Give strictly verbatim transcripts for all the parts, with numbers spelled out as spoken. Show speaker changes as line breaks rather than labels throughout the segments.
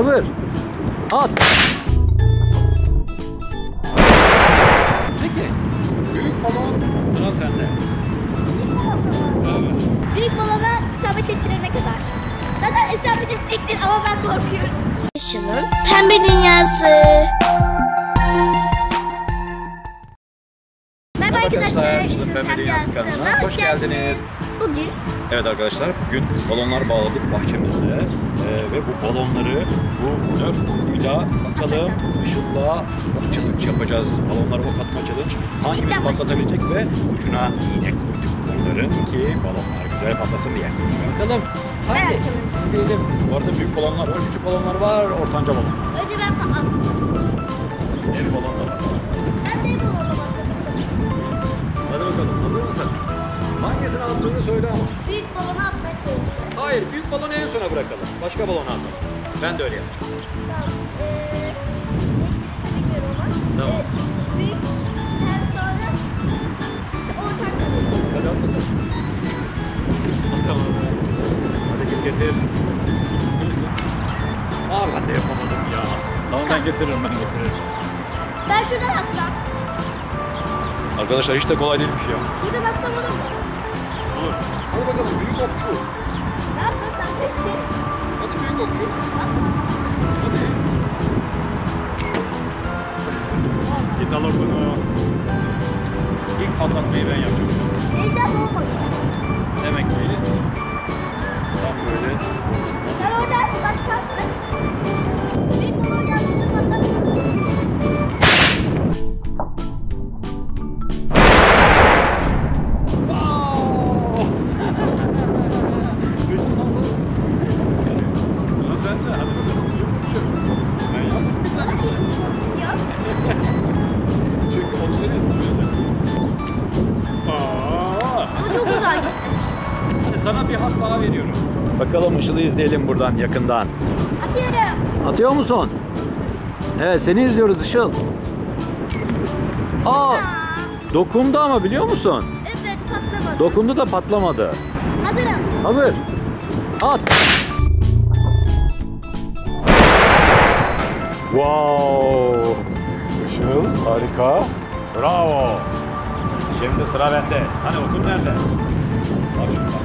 Hazır. At. Peki. Büyük balon sıra sende. Evet.
Büyük balona isabet ettirene kadar. Zaten isabet edecektir ama ben korkuyorum. Işıl'ın pembe dünyası. Merhaba arkadaşlar. Işıl'ın pembe dünyası kanalına hoş geldiniz. Bugün
Evet arkadaşlar, bugün balonlar bağladık bahçemizde ee, ve bu balonları bu Nerf okuyla bakalım Işıl'la challenge yapacağız. Balonları ok atma challenge. Hangimiz patlatabilecek ve ucuna iğne koyduk bunların ki balonlar güzel patlasın diye. Bakalım. Hadi gidelim. Bu arada büyük balonlar var, küçük balonlar var, ortanca balon.
önce ben patladım.
Dev balonlar var.
Ben de balonla başladım.
Hadi bakalım, hazır mısın? Hangisini attığını söyle ama.
Büyük balonu atmaya çalışacağım.
Hayır, büyük balonu en sona bırakalım. Başka balonu atalım. Ben de öyle yapacağım.
Tamam. Eee... Ne bilmiyorum ama.
Tamam.
Ee, şu büyükten sonra işte ortanca balonu.
Hadi at bakalım. Tamam. Hadi git getir. Aa ben de yapamadım ya. Tamam ben getiririm, ben getiririm.
Ben şuradan atsam.
Arkadaşlar hiç de kolay değilmiş ya.
Şuradan atsam olur mu?
Olur. Hadi bakalım büyük okçu.
Ne yapayım ben de hiç benim.
Hadi büyük okçu.
At.
Hadi. Git al bunu. İlk patlatmayı ben yapacağım.
Neyden olmadı.
Demek ki tam böyle ortasına.
Sen oradan bak bak bak. Büyük balonu yanlışlıkla patlattım.
Işıl nasıl? Sıra sende. Hadi bakalım. Büyük okçu. Ben yaptım bir tane.
Gidiyor.
Çünkü o senin. Aa.
Bu çok güzel gitti.
Hadi sana bir hak daha veriyorum. Bakalım Işıl'ı izleyelim buradan yakından.
Atıyorum.
Atıyor musun? Evet seni izliyoruz Işıl. Aa, dokundu ama biliyor musun?
Evet patlamadı.
Dokundu da patlamadı.
Hazırım.
Hazır. At. Wow. Işıl harika. Bravo. Şimdi sıra bende. Hani okun nerede? Bak şimdi bak.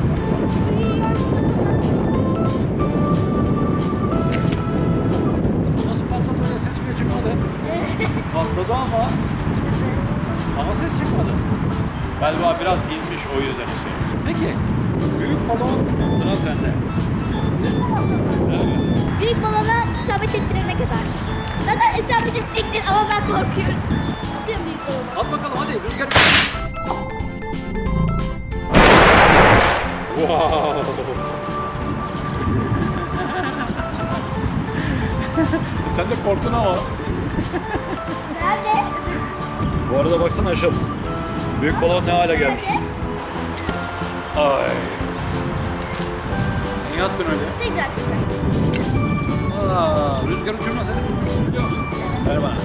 Nasıl patladı öyle ses bile çıkmadı. Patladı ama. Ama ses çıkmadı. Galiba biraz inmiş o yüzden şey. Peki. Büyük balon sıra sende. Evet.
Büyük balona isabet ettirene kadar. Zaten isabet edecektir ama ben korkuyorum. Atıyorum büyük balonu.
At bakalım hadi rüzgar. Wow. Sen de korktun ama.
Nerede?
Bu arada baksana Işıl. Büyük balon ne hale gelmiş.
Nerede?
Ay. Niye attın öyle?
Tekrar tekrar.
Aa, rüzgar uçurma seni vurmuştum biliyor musun? Ver bana.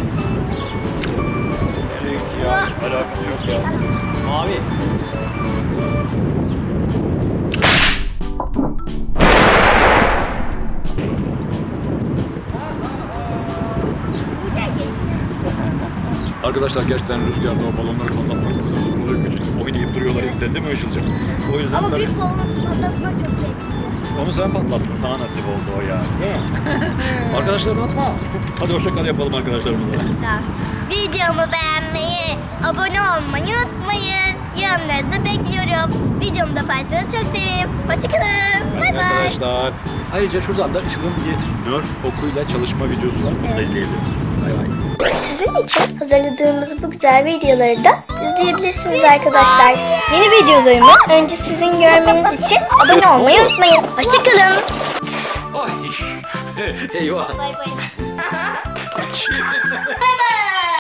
Nereye gitti ya? Hiç alakası yok ya. Mavi. Arkadaşlar gerçekten rüzgarda o balonları patlatmak o kadar zor oluyor ki çünkü oynayıp duruyorlar ilkten değil mi Işıl'cığım? O yüzden
Ama
tabii...
büyük balonu patlatmak çok zevkli.
Onu sen patlattın, sana nasip oldu o yani. Değil mi? Arkadaşlarını atma. Hadi hoşçakal yapalım arkadaşlarımıza.
Tamam. Videomu beğenmeyi, abone olmayı unutmayın. Yorumlarınızı bekliyorum. Videomu da paylaşırsanız çok sevinirim. Hoşçakalın. Bay bay.
Arkadaşlar. Ayrıca şuradan da Işıl'ın bir Nerf okuyla çalışma videosu var. Bunu da izleyebilirsiniz. Bay bay.
Sizin için hazırladığımız bu güzel videoları da izleyebilirsiniz arkadaşlar. Yeni videolarımı önce sizin görmeniz için abone olmayı unutmayın. Hoşçakalın.
Ay. Eyvah.
Bay bay. Bay bay.